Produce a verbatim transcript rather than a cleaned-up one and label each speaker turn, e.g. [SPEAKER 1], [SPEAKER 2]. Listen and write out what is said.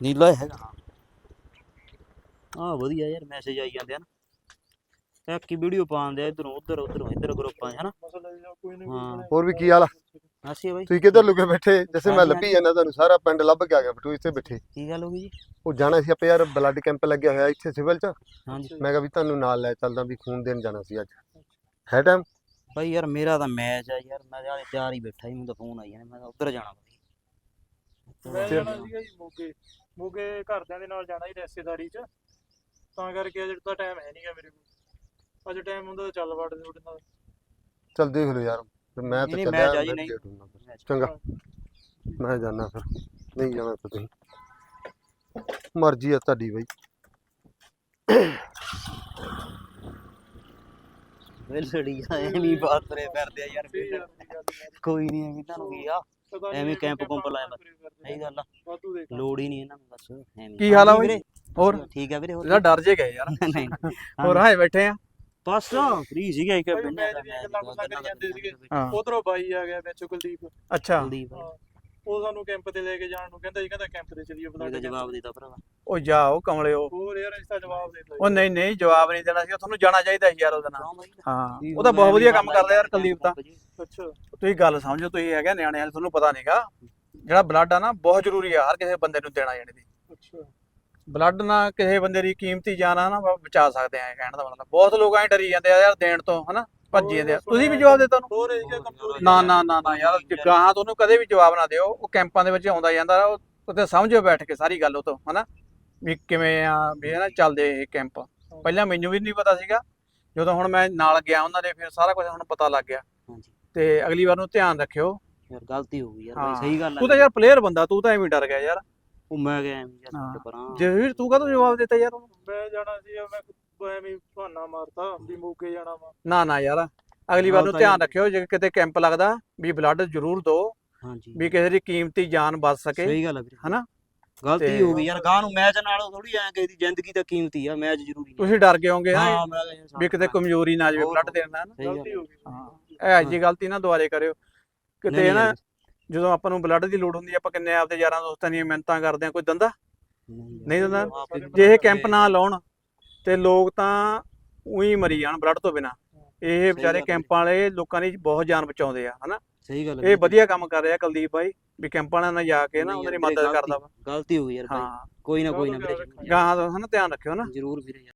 [SPEAKER 1] ਨੀਲਾ ਹੈਗਾ ਹਾਂ ਵਧੀਆ ਯਾਰ ਮੈਸੇਜ ਆਈ ਜਾਂਦੇ ਹਨ ਇੱਕ ਹੀ ਵੀਡੀਓ ਪਾਉਂਦੇ ਇਧਰੋਂ ਉਧਰ ਉਧਰੋਂ ਇੱਧਰ ਗਰੁੱਪਾਂ 'ਚ ਹਨਾ ਹਾਂ
[SPEAKER 2] ਹੋਰ ਵੀ ਕੀ ਹਾਲ ਆ
[SPEAKER 1] ਅਸੀਂ ਬਾਈ
[SPEAKER 2] ਤੁਸੀਂ ਕਿੱਧਰ ਲੁਕੇ ਬੈਠੇ ਜਿਵੇਂ ਮੈਂ
[SPEAKER 1] ਹਾਂਜੀ,
[SPEAKER 2] ਲੱਭੀ ਜਾਂਦਾ ਤੁਹਾਨੂੰ ਸਾਰਾ ਪਿੰਡ ਲੱਭ ਕੇ ਆ ਗਿਆ ਬਟੂ ਇੱਥੇ ਬੈਠੇ
[SPEAKER 1] ਕੀ ਗੱਲ ਹੋ ਗਈ ਜੀ
[SPEAKER 2] ਉਹ ਜਾਣਾ ਸੀ ਆਪੇ ਯਾਰ ਬਲੱਡ ਕੈਂਪ ਲੱਗਿਆ ਹੋਇਆ ਇੱਥੇ ਸਿਵਲ 'ਚ
[SPEAKER 1] ਹਾਂਜੀ
[SPEAKER 2] ਮੈਂ ਕਿਹਾ ਵੀ ਤੁਹਾਨੂੰ ਨਾਲ ਲੈ ਚੱਲਦਾ ਵੀ ਖੂਨ ਦੇਣ ਜਾਣਾ ਸੀ ਅੱਜ ਹੈ ਟਾਈਮ
[SPEAKER 1] ਬਾਈ ਯਾਰ ਮੇਰਾ ਤਾਂ ਮੈਚ ਆ ਯਾਰ ਮੈਂ ਹਾਲੇ ਤਿਆਰ ਹੀ ਬੈਠਾ ਸੀ ਮੈਨੂੰ ਤਾਂ ਫੋਨ ਆਈ ਜਾਣੇ ਮੈਂ ਤਾਂ ਉੱਧਰ ਜਾਣਾ ਬਾਈ
[SPEAKER 3] ਮੈਂ ਜਾਣਾ ਸੀਗਾ ਜੀ ਮੋਗੇ ਮੋਗੇ ਘਰਦਿਆਂ ਦੇ ਨਾਲ ਜਾਣਾ ਸੀ ਰਿਸ਼ਤੇਦਾਰੀ 'ਚ ਤਾਂ ਕਰਕੇ ਅੱਜ ਤਾਂ ਟਾਈਮ ਹੈ ਨਹੀਂਗਾ ਮੇਰੇ ਕੋਲ ਅੱਜ ਟਾਈਮ ਹੁੰਦਾ ਤਾਂ ਚੱਲ ਵੜਦੇ ਤੁਹਾਡੇ ਨਾਲ
[SPEAKER 2] ਚੱਲ ਦੇਖ ਲਓ ਯਾਰ ਫਿਰ ਮੈਂ ਤਾਂ
[SPEAKER 1] ਨਹੀਂ,
[SPEAKER 2] ਚੱਲਿਆ
[SPEAKER 1] ਮੈਚ ਆ ਜੀ,
[SPEAKER 2] ਮੈਂ
[SPEAKER 1] ਨਹੀਂ।
[SPEAKER 2] ਲੇਟ ਹੁੰਦਾ ਫਿਰ। ਚੰਗਾ ਮੈਂ ਜਾਣਾ ਫਿਰ ਨਹੀਂ ਜਾਣਾ ਤਾਂ ਤੁਸੀਂ ਮਰਜ਼ੀ ਆ ਤੁਹਾਡੀ ਬਈ
[SPEAKER 1] ਵੇਲ ਲੜੀ ਆ ਐਵੇਂ ਬਾਤ ਕਰੇ ਕਰਦੇ ਆ ਯਾਰ
[SPEAKER 3] ਸਹੀ ਗੱਲ ਦੀ ਗੱਲ ਹੈ।
[SPEAKER 1] ਕੋਈ ਨਹੀਂ ਐਵੇਂ ਤੁਹਾਨੂੰ ਕੀ ਆ
[SPEAKER 3] ਪਤਾ ਨੀ
[SPEAKER 1] ਐਵੇਂ
[SPEAKER 3] ਇਹ
[SPEAKER 1] ਕੈਂਪ
[SPEAKER 3] ਕਿੱਥੇ
[SPEAKER 1] ਕੁੰਪ ਲਾਇਆ
[SPEAKER 3] ਭਾਵਨਾ ਪੂਰੀ ਕਰਦੇ
[SPEAKER 1] ਸਹੀ ਗੱਲ ਆ
[SPEAKER 3] ਵਾਧੂ ਦੇ ਕੰਮ।
[SPEAKER 1] ਲੋੜ ਹੀ ਨਹੀਂ ਇਹਨਾਂ ਨੂੰ ਬਸ ਐਵੇਂ
[SPEAKER 4] ਕੀ ਹਾਲ ਆ
[SPEAKER 1] ਹਾਂਜੀ
[SPEAKER 4] ਬਾਈ?
[SPEAKER 1] ਵੀਰੇ,
[SPEAKER 4] ਹੋਰ
[SPEAKER 1] ਠੀਕ ਆ ਵੀਰੇ ਹੋਰ
[SPEAKER 4] ਇਹਦਾ ਡਰ ਜੇ ਗਏ ਯਾਰ
[SPEAKER 1] ਨਹੀਂ ਨਹੀਂ
[SPEAKER 4] ਹੋਰ ਹਾਏ ਬੈਠੇ ਆ
[SPEAKER 1] ਬਸ ਫ੍ਰੀ ਸੀਗਾ ਇੱਕ
[SPEAKER 3] ਬਾਈ
[SPEAKER 1] ਪਿੰਡ
[SPEAKER 3] ਮੈਚ
[SPEAKER 1] ਦਾ
[SPEAKER 3] ਦੀਆਂ
[SPEAKER 1] ਮੈਚ
[SPEAKER 3] ਗੱਲਾਂ ਬਾਤਾਂ ਕਰੀ ਜਾਂਦੇ ਸੀਗੇ।
[SPEAKER 4] ਹਾਂ
[SPEAKER 3] ਉਧਰੋਂ ਬਾਈ ਆ ਗਿਆ ਵਿੱਚ ਕੁਲਦੀਪ
[SPEAKER 4] ਅੱਛਾ
[SPEAKER 1] ਕੁਲਦੀਪ
[SPEAKER 3] ਹਾਂ, ਉਹ ਸਾਨੂੰ ਕੈਂਪ ਤੇ ਲੈ ਕੇ ਜਾਣ ਨੂੰ ਕਹਿੰਦਾ ਜੀ ਕਹਿੰਦਾ ਕੈਂਪ ਤੇ ਚਲੀਏ
[SPEAKER 1] ਉਹਦਾ
[SPEAKER 3] ਬਲਾਡੇ
[SPEAKER 1] ਜਵਾਬ ਦਿੱਤਾ ਭਰਾਵਾ
[SPEAKER 4] ਉਹ ਜਾਓ ਕਮਲਿਓ
[SPEAKER 3] ਹੋਰ ਯਾਰ ਇਸ ਦਾ ਜਵਾਬ ਦੇ
[SPEAKER 4] ਉਹ ਨਹੀਂ ਨਹੀਂ ਜਵਾਬ ਨਹੀਂ ਦੇਣਾ ਸੀ ਤੁਹਾਨੂੰ ਜਾਣਾ ਚਾਹੀਦਾ ਸੀ ਯਾਰ ਉਹਦੇ ਨਾਲ
[SPEAKER 1] ਕਿਉਂ ਬਾਈ
[SPEAKER 4] ਹਾਂ ਉਹ ਤਾਂ ਬਹੁਤ ਵਧੀਆ ਕੰਮ ਕਰਦਾ ਯਾਰ ਕੁਲਦੀਪ ਤਾਂ
[SPEAKER 3] ਅੱਛਾ
[SPEAKER 4] ਤੁਸੀਂ ਗੱਲ ਸਮਝੋ ਤੁਸੀਂ ਹੈਗੇ ਨਿਆਣੇ ਵਾਲੇ ਤੁਹਾਨੂੰ ਪਤਾ ਨਹੀਂਗਾ ਜਿਹੜਾ ਬਲੱਡ ਆ ਨਾ ਬਹੁਤ ਜ਼ਰੂਰੀ ਆ ਹਰ ਕਿਸੇ ਬੰਦੇ ਨੂੰ ਦੇਣਾ ਜਾਣੇ ਦੀ
[SPEAKER 3] ਅੱਛਾ
[SPEAKER 4] ਬਲੱਡ ਨਾਲ ਕਿਸੇ ਬੰਦੇ ਦੀ ਕੀਮਤੀ ਜਾਨ ਆ ਨਾ ਬ- ਬਚਾ ਸਕਦੇ ਆ ਇਹ ਕਹਿਣ ਦਾ ਮਤਲਬ ਬਹੁਤ ਲੋਕ ਐਂ ਡਰੀ ਜਾਂਦੇ ਆ ਯਾਰ ਦੇਣ ਤੋਂ ਹਨਾ ਭੱਜੀ ਜਾਂਦੇ ਆ ਤੁਸੀਂ ਵੀ ਜਵਾਬ ਦੇ ਤੁਹਾਨੂੰ
[SPEAKER 3] ਹੋਰ ਇਹ ਜਿਹਾ ਕਮਜ਼ੋਰੀ
[SPEAKER 4] ਨਾ ਨਾ ਨਾ ਨਾ ਯਾਰ ਗਾਹਾਂ ਤੁਹਾਨੂੰ ਕਦੇ ਵੀ ਜਵਾਬ ਨਾ ਦਿਓ ਉਹ ਕੈਂਪਾਂ ਦੇ ਵਿੱਚ ਆਉਂਦਾ ਜਾਂਦਾ ਉਹ ਉੱਥੇ ਸਮਝੋ ਬੈਠ ਕੇ ਸਾਰੀ ਗੱਲ ਉਹ ਤੋਂ ਹਨਾ ਵੀ ਕਿਵੇਂ ਆ ਵੀ ਇਹ ਨਾ ਚੱਲਦੇ ਇਹ ਕੈਂਪ ਪਹਿਲਾਂ ਮੈਨੂੰ ਵੀ ਨਹੀਂ ਪਤਾ ਸੀਗਾ ਜਦੋਂ ਹੁਣ ਮੈਂ ਨਾਲ ਗਿਆ ਉਹਨਾਂ ਦੇ ਫਿਰ ਸਾਰਾ ਕੁਝ ਹੁਣ ਪਤਾ ਲੱਗ ਗਿਆ
[SPEAKER 1] ਹਾਂਜੀ
[SPEAKER 4] ਤੇ ਅਗਲੀ ਵਾਰ ਨੂੰ ਧਿਆਨ ਰੱਖਿਓ
[SPEAKER 1] ਯਾਰ ਗਲਤੀ ਹੋ ਗਈ ਯਾਰ ਬਾਈ
[SPEAKER 4] ਹਾਂ।
[SPEAKER 1] ਸਹੀ ਗੱਲ
[SPEAKER 4] ਤੂੰ
[SPEAKER 1] ਆ
[SPEAKER 4] ਤਾਂ ਯਾਰ ਪਲੇਅਰ ਬੰਦਾ ਤੂੰ ਤਾਂ ਐਵੇਂ ਡਰ ਗਿਆ ਯਾਰ
[SPEAKER 1] ਉਹ ਮੈਂ ਗਿਆ ਐਵੇਂ ਯਾਰ
[SPEAKER 4] ਹਾਂ।
[SPEAKER 1] ਛੱਡ ਪਰਾਂ
[SPEAKER 4] ਜੇ ਵੀਰ ਤੂੰ ਕਾਹਤੋਂ ਜਵਾਬ ਦਿੱਤਾ ਯਾਰ ਉਹਨੂੰ?
[SPEAKER 3] ਮੈਂ ਜਾਣਾ ਸੀ ਮੈਂ ਐਵੇਂ ਬਹਾਨਾ ਮਾਰਤਾ ਵੀ ਮੋਗੇ ਜਾਣਾ ਵਾ
[SPEAKER 4] ਨਾ ਨਾ ਯਾਰ ਅਗਲੀ ਵਾਰ
[SPEAKER 1] ਹਾਂ
[SPEAKER 4] ਨੂੰ
[SPEAKER 1] ਤਾਂ
[SPEAKER 4] ਧਿਆਨ
[SPEAKER 1] ਯਾਰ।
[SPEAKER 4] ਰੱਖਿਓ ਜੇ ਕਿਤੇ ਕੈਂਪ ਲੱਗਦਾ ਵੀ ਬਲੱਡ ਜ਼ਰੂਰ ਦਿਓ
[SPEAKER 1] ਹਾਂਜੀ
[SPEAKER 4] ਵੀ ਕਿਸੇ ਦੀ ਕੀਮਤੀ ਜਾਨ ਬਚ ਸਕੇ
[SPEAKER 1] ਸਹੀ ਗੱਲ ਆ ਵੀਰੇ
[SPEAKER 4] ਹਨਾ?
[SPEAKER 1] ਗਲਤੀ
[SPEAKER 4] ਤੇ-
[SPEAKER 1] ਹੋ ਗਈ ਯਾਰ ਗਾਂ ਨੂੰ ਮੈਚ ਨਾਲ ਥੋੜੀ ਐ ਕਿਸੇ ਦੀ ਜ਼ਿੰਦਗੀ ਤਾਂ ਕੀਮਤੀ ਆ ਮੈਚ ਜ਼ਰੂਰੀ ਨਹੀਂ
[SPEAKER 4] ਤੁਸੀਂ ਡਰ ਗਏ ਹੋਗੇ ਨਾ
[SPEAKER 1] ਹਾਂ ਮੈਂ ਕਿਹਾ ਯਾਰ
[SPEAKER 4] ਵੀ ਕਿਤੇ ਕਮਜ਼ੋਰੀ ਨਾ ਜਾਵੇ
[SPEAKER 1] ਹੋਰ।
[SPEAKER 4] ਬਲੱਡ ਦੇਣ ਨਾਲ ਨਾ
[SPEAKER 1] ਸਹੀ ਗੱਲ
[SPEAKER 3] ਗਲਤੀ ਹੋ ਗਈ
[SPEAKER 4] ਹਾਂ ਇਹ ਜੀ ਗਲਤੀ ਨਾ ਦੁਬਾਰੇ ਕਰਿਓ ਕਿਤੇ
[SPEAKER 1] ਨਹੀਂ,
[SPEAKER 4] ਨਾ
[SPEAKER 1] ਨਹੀਂ,
[SPEAKER 4] ਜਦੋਂ ਆਪਾਂ ਨੂੰ ਬਲੱਡ ਦੀ ਲੋੜ ਹੁੰਦੀ ਆ, ਆਪਾਂ ਕਿੰਨੇ ਆਪਦੇ ਯਾਰਾਂ ਦੋਸਤਾਂ ਦੀਆਂ ਮਿਹਨਤਾਂ ਕਰਦੇ ਆ ਕੋਈ ਦੰਦਾ ਨਹੀਂ ਦਿੰਦਾ
[SPEAKER 1] ਆਪ ਹੀ
[SPEAKER 4] ਜੇ ਇਹ ਕੈਂਪ ਨਾ ਲਾਉਣ ਤੇ ਲੋਕ ਤਾਂ ਉਹੀ ਮਰੀ ਜਾਣ ਬਲੱਡ ਤੋਂ ਬਿਨਾ ਇਹ ਵਿਚਾਰੇ
[SPEAKER 1] ਗੱਲ ਹੈ।
[SPEAKER 4] ਕੈਂਪਾਂ ਵਾਲੇ ਲੋਕਾਂ ਦੀ ਬਹੁਤ ਜਾਨ ਬਚਾਉਂਦੇ ਆ ਹਨਾ
[SPEAKER 1] ਸਹੀ ਗੱਲ ਆ
[SPEAKER 4] ਇਹ
[SPEAKER 1] ਵੀਰੇ।
[SPEAKER 4] ਵਧੀਆ ਕੰਮ ਕਰ ਰਿਹਾ ਕੁਲਦੀਪ ਭਾਈ ਵੀ ਕੈਂਪਾਂ ਵਾਲਿਆਂ ਨਾਲ ਜਾ ਕੇ ਨਾ
[SPEAKER 1] ਨਹੀਂ
[SPEAKER 4] ਉਹਨਾਂ ਦੀ
[SPEAKER 1] ਯਾਰ ਵੀਰੇ,
[SPEAKER 4] ਮਦਦ ਕਰਦਾ ਵਾ
[SPEAKER 1] ਗਲਤੀ ਹੋ ਗਈ ਯਾਰ ਭਾਈ
[SPEAKER 4] ਹਾਂ
[SPEAKER 1] ਕੋਈ ਨਾ ਕੋਈ ਨਾ
[SPEAKER 3] ਚਲੋ
[SPEAKER 1] ਵੀਰੇ
[SPEAKER 4] ਗਾਹਾਂ ਦਾ ਹਨਾ ਧਿਆਨ ਰੱਖਿਓ ਨਾ
[SPEAKER 1] ਜ਼ਰੂਰ ਵੀਰੇ ਯਾਰ